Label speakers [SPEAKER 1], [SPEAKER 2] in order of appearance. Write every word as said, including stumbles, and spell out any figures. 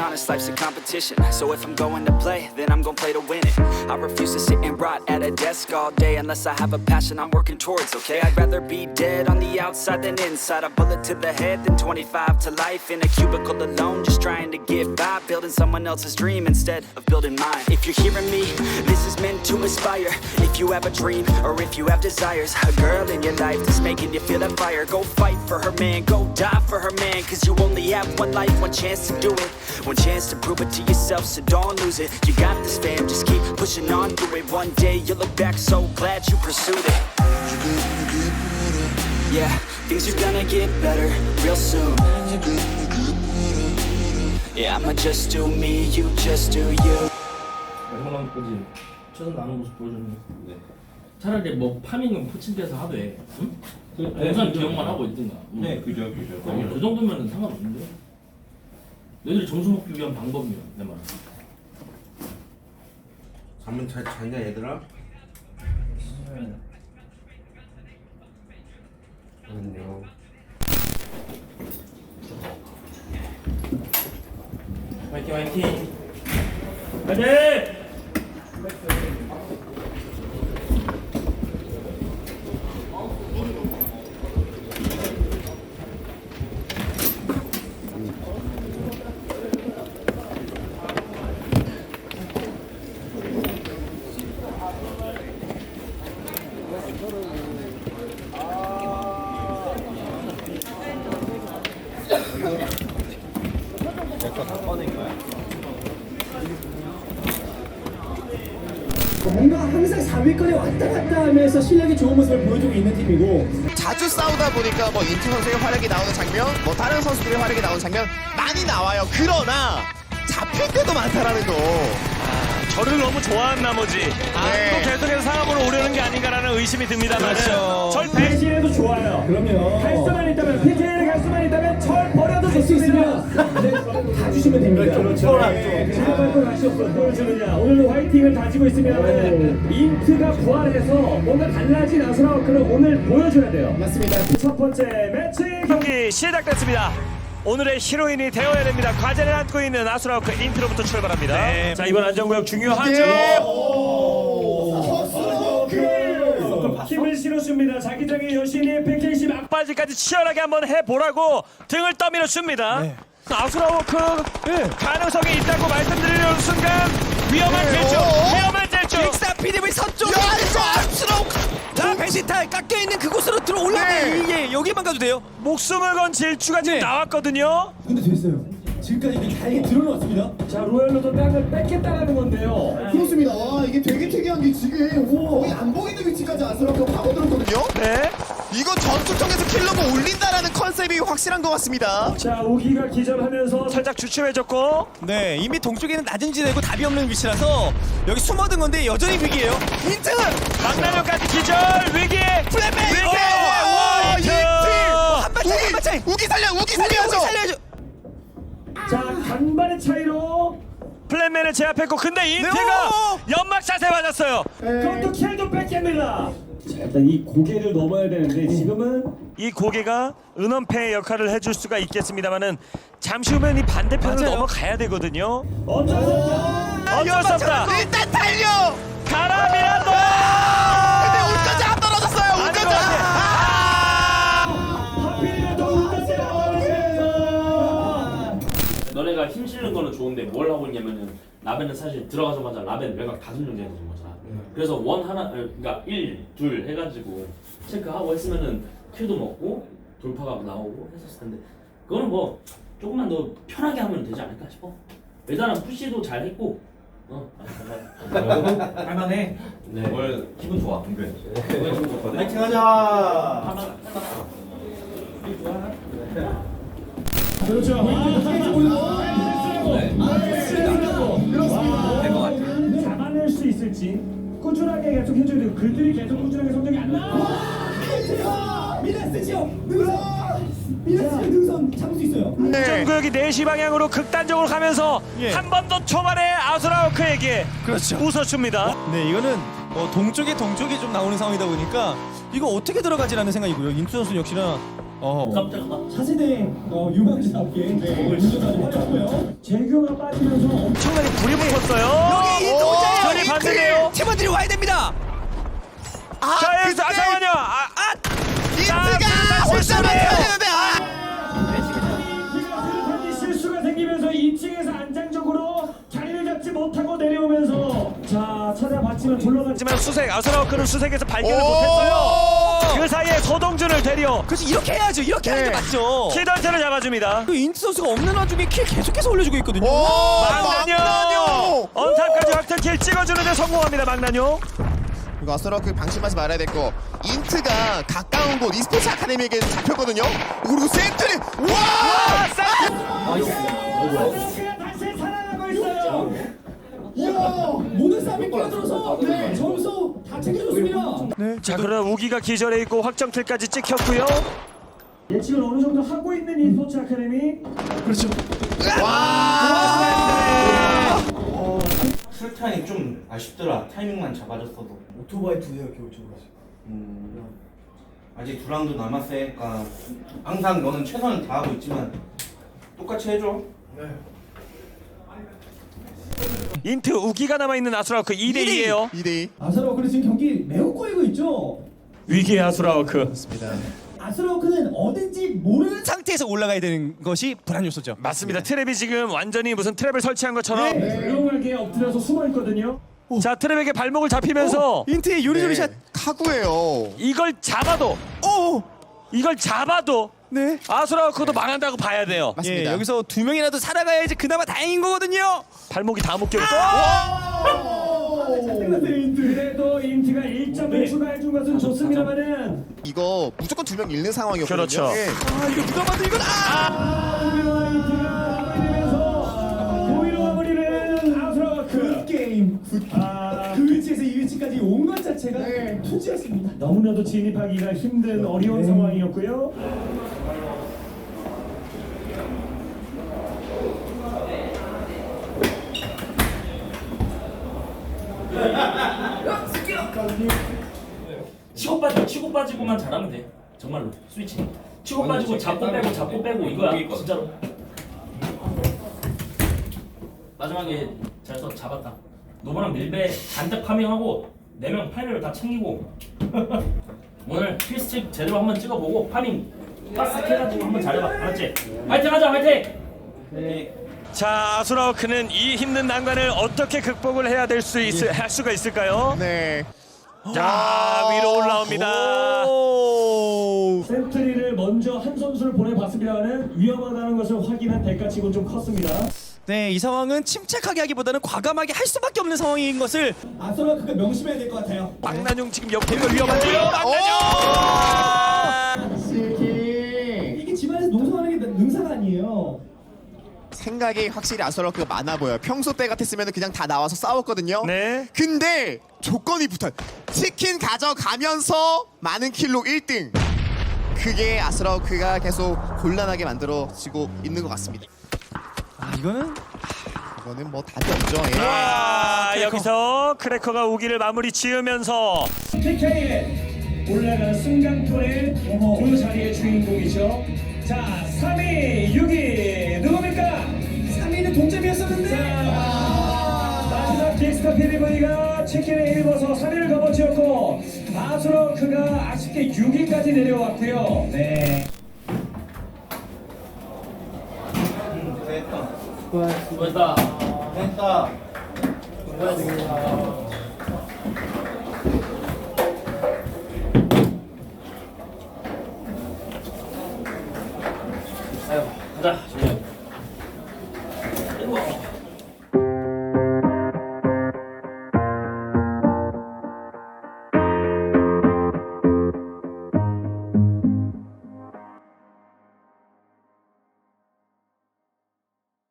[SPEAKER 1] honest, life's a competition. So if I'm going to play, then I'm gonna play to win it. I refuse to sit and rot at a desk all day unless I have a passion I'm working towards, okay? I'd rather be dead on the outside than inside. A bullet to the head than twenty-five to life in a cubicle alone, just trying to get by, building someone else's dream instead of building mine. If you're hearing me, this is meant to inspire. If you have a dream or if you have desires, a girl in your life that's making you feel that fire, go fight for her man, go die for her man, cause you only have one life, one chance to do it, one chance to prove it to yourself, so don't lose it. You got this fam, just keep pushing on through it. One day you'll look back so glad you pursued it. Yeah, things are gonna get better real soon. Yeah, I'ma just do me, you just do you.
[SPEAKER 2] 영광까지 최선 다하는 모습 보여줬네. 네. 차라리 뭐 파밍은 포친대에서 하되, 응? 그 동산 기억만 하고 있든가. 응.
[SPEAKER 3] 네, 그죠, 그죠.
[SPEAKER 2] 어, 그 정도면은 상관없는데. 너희들이 점수 먹기 위한 방법이야, 내 말은.
[SPEAKER 3] 잠은 잘 잤냐 얘들아? 안녕.
[SPEAKER 2] 화이팅 화이팅. 화이팅!
[SPEAKER 4] 뭔가 항상 사 위권에 왔다 갔다 하면서 실력이 좋은 모습을 보여주고 있는 팀이고,
[SPEAKER 5] 자주 싸우다 보니까 뭐 인투 선수의 활약이 나오는 장면, 뭐 다른 선수들의 활약이 나오는 장면 많이 나와요. 그러나 잡힐 때도 많다라는 거.
[SPEAKER 6] 저를 너무 좋아한 나머지 아,
[SPEAKER 5] 네.
[SPEAKER 6] 또 계속해서 상업으로 오려는 게 아닌가라는 의심이 듭니다만
[SPEAKER 4] 그렇죠.
[SPEAKER 6] 절 배...
[SPEAKER 4] 배신해도 좋아요. 그럼요. 갈 수만 있다면, 피케이를 갈 수만 있다면 절 버려도 좋습니다. 네, 가주시면 됩니다. 그렇죠. 네. 제가 발표 다시 없어 보여주느냐. 오늘도 화이팅을 다지고 있으면 인트가 부활해서 뭔가 달라진 아스라워크를 오늘 보여줘야 돼요. 맞습니다. 첫 번째 매치
[SPEAKER 6] 경기 시작됐습니다. 오늘의 히로인이 되어야 됩니다. 과제를 안고 있는 아수라우크 인트로부터 출발합니다. 네. 자, 이번 안전구역 중요하죠.
[SPEAKER 4] 힘을 실어줍니다. 자기장의 여신이 백케이씨 막
[SPEAKER 6] 빠지까지 치열하게 한번 해보라고 등을 떠밀어 줍니다. 네. 아수라우크 네. 가능성이 있다고 말씀드리는 순간 위험한
[SPEAKER 5] 네.
[SPEAKER 6] 질주,
[SPEAKER 5] 오.
[SPEAKER 6] 위험한 질주.
[SPEAKER 5] 엑사 피디브이 서쪽에 아수라우
[SPEAKER 7] 자, 배신탈 깎여 있는 그곳으로 들어 올라가.
[SPEAKER 5] 네.
[SPEAKER 7] 이게 여기만 가도 돼요.
[SPEAKER 6] 목숨을 건 질주가 지금
[SPEAKER 7] 네.
[SPEAKER 6] 나왔거든요.
[SPEAKER 4] 근데 됐어요. 지금까지 이게 다행히 들어왔습니다. 자, 로얄로도 땅을 뺏겠다라는 건데요.
[SPEAKER 8] 그렇습니다. 와, 이게 되게 특이한 게 지금 거의 안 보이는 위치까지 아스라우크가 파고들었거든요.
[SPEAKER 6] 네.
[SPEAKER 5] 이거 전투통에서 킬러고 올린다라는 컨셉이 확실한 것 같습니다.
[SPEAKER 4] 자, 오기가 기절하면서
[SPEAKER 6] 살짝 주춤해졌고
[SPEAKER 7] 네, 이미 동쪽에는 낮은 지대고 답이 없는 위치라서 여기 숨어든 건데 여전히 위기예요.
[SPEAKER 5] 힌트!
[SPEAKER 6] 막나면까지 기절 위기.
[SPEAKER 5] 플랫맨!
[SPEAKER 6] 위기.
[SPEAKER 5] 와,
[SPEAKER 6] 힌트.
[SPEAKER 7] 한 발차기 한 발차기.
[SPEAKER 5] 우기 살려! 우기
[SPEAKER 7] 우기
[SPEAKER 5] 살려야죠!
[SPEAKER 7] 살려야죠.
[SPEAKER 4] 자, 간발의 차이로
[SPEAKER 6] 플랜맨을 제압했고 근데 인트가 연막 샷에 맞았어요.
[SPEAKER 4] 그것도 킬도 뺏깁니다. 자, 일단 이 고개를 넘어야 되는데 지금은
[SPEAKER 6] 이 고개가 은원패의 역할을 해줄 수가 있겠습니다만은 잠시 후면 이 반대편으로
[SPEAKER 7] 맞아요.
[SPEAKER 6] 넘어가야 되거든요.
[SPEAKER 4] 어쩔 수 없다.
[SPEAKER 6] 어쩔 수 없다.
[SPEAKER 5] 일단 달려!
[SPEAKER 6] 가라 미란도.
[SPEAKER 5] 근데 운전자 안 떨어졌어요!
[SPEAKER 6] 아닌 것
[SPEAKER 5] 운전자!
[SPEAKER 6] 같아.
[SPEAKER 4] 하필이면 또 운전자가
[SPEAKER 2] 너네가 힘 실는 거는 좋은데 뭘 하고 있냐면은 라벤은 사실 들어가자마자 라벤 외곽 다섯 명 되는 거잖아. 그래서 원 하나, 어, 그러니까 일, 둘 해가지고 체크하고 했으면은 킬도 먹고 돌파가 나오고 했었을 텐데 그거는 뭐 조금만 더 편하게 하면 되지 않을까 싶어. 일단은 푸시도 잘 했고, 어,
[SPEAKER 3] 할만해.
[SPEAKER 2] 네.
[SPEAKER 3] 오늘 기분 좋아. 은근. 기분 좀 좋거든.
[SPEAKER 8] 파이팅 하자.
[SPEAKER 2] 할만, 할만.
[SPEAKER 4] 그렇죠. 잡아낼 수 있을지 꾸준하게 계속 해줘야 되고 글들이 계속 꾸준하게 성적이 안 나와. 미네스 지역 능선. 미네스 능선 잡을 수 있어요.
[SPEAKER 6] 안전구역이 네 시 방향으로 극단적으로 가면서
[SPEAKER 7] 예.
[SPEAKER 6] 한 번 더 초반에 아수라우크에게
[SPEAKER 7] 그렇죠.
[SPEAKER 6] 웃어줍니다.
[SPEAKER 7] 네, 이거는 어, 동쪽에 동쪽이 좀 나오는 상황이다 보니까 이거 어떻게 들어가지라는 생각이고요. 인투 선수 역시나 어.
[SPEAKER 2] 깜짝아.
[SPEAKER 4] 차세대 어, 유망주답게 운전하는 활약하고요. 재규가 빠지면서 엄청나게 불이 붙었어요.
[SPEAKER 7] 여기 이 도자에
[SPEAKER 6] 전이 반대네요.
[SPEAKER 7] 팀원들이 와야 됩니다.
[SPEAKER 5] 아,
[SPEAKER 6] 자,
[SPEAKER 5] 그때
[SPEAKER 6] 여기서 아, 잠깐만요. 아, 아,
[SPEAKER 5] 인트가 혼자 맡아야 되는데 아!
[SPEAKER 4] 수류탄이 실수가 생기면서 이 층에서 안정적으로 자리를 잡지 못하고 내려오면서 자 찾아봤지만 둘러갔지만 수색 아스라워크는 수색에서 발견을
[SPEAKER 5] 오!
[SPEAKER 4] 못했어요. 그 사이에 서동준을 데려
[SPEAKER 7] 그렇지 이렇게 해야죠. 이렇게 하는 게 맞죠.
[SPEAKER 4] 키던트를 잡아줍니다.
[SPEAKER 7] 그 인트 선수가 없는 와중에 킬 계속해서 올려주고 있거든요.
[SPEAKER 5] 오,
[SPEAKER 4] 망나뇨
[SPEAKER 5] 망나뇨!
[SPEAKER 4] 언탑까지 확실킬 찍어주는데 성공합니다. 망나뇨.
[SPEAKER 5] 이거 아스트라워크 방심하지 말아야 될 거. 인트가 가까운 곳 e스포츠 아카데미에게 잡혔거든요. 그리고 센트리 와!
[SPEAKER 4] 아스라워크가 다시 살아나고 있어요. 이야 모든 싸움이 끼어들어서 네, 점수 다 챙겨줬습니다. 자 그럼 우기가 기절해 있고 확정킬까지 찍혔고요. 예측을 어느 정도 하고 있는 e스포츠 아카데미. 그렇죠.
[SPEAKER 3] 술탄이 좀 아쉽더라. 타이밍만 잡아줬어도.
[SPEAKER 8] 오토바이 두 대가 겨우쳐가지고.
[SPEAKER 3] 음, 아직 두 라운드 남았으니까 항상 너는 최선을 다하고 있지만 똑같이 해줘.
[SPEAKER 4] 인트 우기가 남아있는 아스라워크 이 대 이예요.
[SPEAKER 5] 이 대 이.
[SPEAKER 8] 아스라워크는 지금 경기 매우 꼬이고 있죠.
[SPEAKER 4] 위기의 아스라워크.
[SPEAKER 8] 아스라워크는 어딘지 모르는
[SPEAKER 7] 상태에서 올라가야 되는 것이 불안 요소죠.
[SPEAKER 4] 맞습니다. 트랩이 지금 완전히 무슨 트랩을 설치한 것처럼 조용하게 엎드려서 숨어 있거든요. 자 트랩에게 발목을 잡히면서
[SPEAKER 7] 인트의 요리조리 샷.
[SPEAKER 5] 카구예요.
[SPEAKER 4] 이걸 잡아도
[SPEAKER 7] 오.
[SPEAKER 4] 이걸 잡아도
[SPEAKER 7] 네.
[SPEAKER 4] 아스라워크도 망한다고 봐야 돼요.
[SPEAKER 5] 맞습니다.
[SPEAKER 7] 예, 여기서 두 명이라도 살아가야지 그나마 다행인 거거든요.
[SPEAKER 4] 발목이 다 묶여 있고. 그래도 인트가 일 점을 추가해준 것은 좋습니다만은
[SPEAKER 5] 이거 무조건 두 명 잃는 상황이었거든요.
[SPEAKER 4] 그렇죠.
[SPEAKER 5] 예.
[SPEAKER 7] 아 이거 누가 봐도 이건 아.
[SPEAKER 4] 인트가 마무리되면서 고의로 마무리는 아스라워크.
[SPEAKER 8] 게임.
[SPEAKER 4] 아,
[SPEAKER 8] 그 위치에서 이 위치까지 온 것 자체가 투지였습니다.
[SPEAKER 4] 너무나도 진입하기가 힘든 어려운 상황이었고요.
[SPEAKER 2] 치고 빠지고 치고 빠지고만 잘하면 돼. 정말로 스위치. 치고 빠지고 잡고 빼고 잡고 빼고 이거야 진짜로. 마지막에 잘서 잡았다. 노바랑 밀배 잔뜩 파밍하고 네 명 파이널을 다 챙기고 오늘 필스틱 제대로 한번 찍어보고 파밍 빡싹 해가지고 한번 잘해봐. 알았지? 화이팅 하자 화이팅!
[SPEAKER 4] 자 아스라워크는 이 힘든 난관을 어떻게 극복을 해야 될 수 있, 할 수가 있을까요?
[SPEAKER 5] 네.
[SPEAKER 4] 자 위로 올라옵니다.
[SPEAKER 7] 오.
[SPEAKER 4] 센트리를 먼저 한 선수를 보내봤습니다만은 위험하다는 것을 확인한 대가치고는 좀 컸습니다.
[SPEAKER 7] 네, 이 상황은 침착하게 하기보다는 과감하게 할 수밖에 없는 상황인 것을
[SPEAKER 8] 아스라워크가 명심해야 될 것 같아요.
[SPEAKER 4] 망나뇽 지금 옆에가 위험한데요.
[SPEAKER 8] 이게 집안에서 농사하는 게 능사가 아니에요.
[SPEAKER 5] 생각이 확실히 아스트라워크가 많아 보여요. 평소 때 같았으면 그냥 다 나와서 싸웠거든요.
[SPEAKER 4] 네.
[SPEAKER 5] 근데 조건이 붙어. 치킨 가져가면서 많은 킬로 일 등. 그게 아스트라워크가 계속 곤란하게 만들어지고 있는 것 같습니다.
[SPEAKER 7] 아 이거는
[SPEAKER 5] 이거는 뭐 답이 없죠. 예.
[SPEAKER 4] 아 여기서 크래커가 우기를 마무리 지으면서 피케이에 올라가는 순간권의 두 자리의 주인공이죠. 자 삼 위 육 위 누굽니까?
[SPEAKER 8] 삼 위는 동점이었었는데.
[SPEAKER 4] 마지막 빅스타 피디브이가 치킨에 일궈서 삼 위를 거머쥐었고 아스라워크가 아쉽게 육 위까지 내려왔고요. 네.
[SPEAKER 2] 수고했다.
[SPEAKER 3] 됐다.